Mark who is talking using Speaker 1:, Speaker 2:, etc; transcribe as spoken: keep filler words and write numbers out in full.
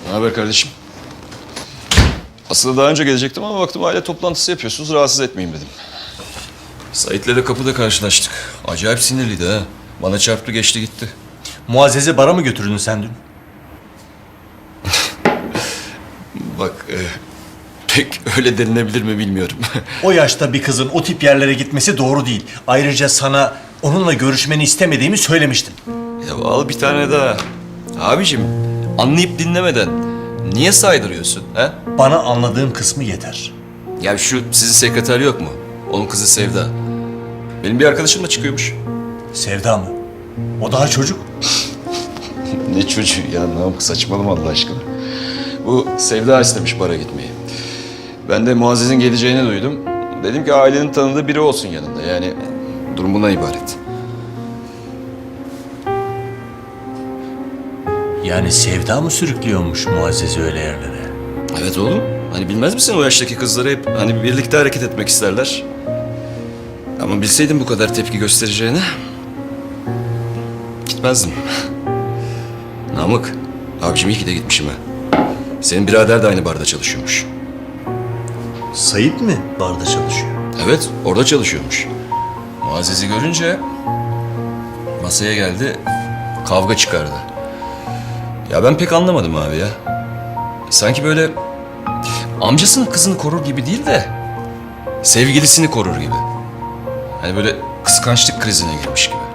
Speaker 1: Ne haber kardeşim? Aslında daha önce gelecektim ama baktım aile toplantısı yapıyorsunuz. Rahatsız etmeyeyim dedim. Sait'le de kapıda karşılaştık. Acayip sinirliydi ha. Bana çarptı geçti gitti.
Speaker 2: Muazzez'i bara mı götürdün sen dün?
Speaker 1: Bak e, pek öyle denilebilir mi bilmiyorum.
Speaker 2: O yaşta bir kızın o tip yerlere gitmesi doğru değil. Ayrıca sana onunla görüşmeni istemediğimi söylemiştim.
Speaker 1: Ya al bir tane daha. Abicim anlayıp dinlemeden niye saydırıyorsun ha?
Speaker 2: Bana anladığım kısmı yeter.
Speaker 1: Ya şu sizin sekreter yok mu? Onun kızı Sevda. Benim bir arkadaşımla çıkıyormuş.
Speaker 2: Sevda mı? O daha çocuk.
Speaker 1: Ne çocuğu ya, Namık saçmalama Allah aşkına. Bu Sevda istemiş bara gitmeyi. Ben de Muazzez'in geleceğini duydum. Dedim ki ailenin tanıdığı biri olsun yanında. Yani durum bundan ibaret.
Speaker 2: Yani Sevda mı sürüklüyormuş Muazzez'i öyle yerlere?
Speaker 1: Evet oğlum. Hani bilmez misin o yaştaki kızları hep hani birlikte hareket etmek isterler. Ama bilseydim bu kadar tepki göstereceğini gitmezdim. Namık, abicim iyi ki de gitmişim ha. Senin birader de aynı barda çalışıyormuş.
Speaker 2: Sayıp mi barda çalışıyor?
Speaker 1: Evet, orada çalışıyormuş. Muazzez'i görünce masaya geldi, kavga çıkardı. Ya ben pek anlamadım abi ya. Sanki böyle amcasının kızını korur gibi değil de sevgilisini korur gibi. Hani böyle kıskançlık krizine girmiş gibi.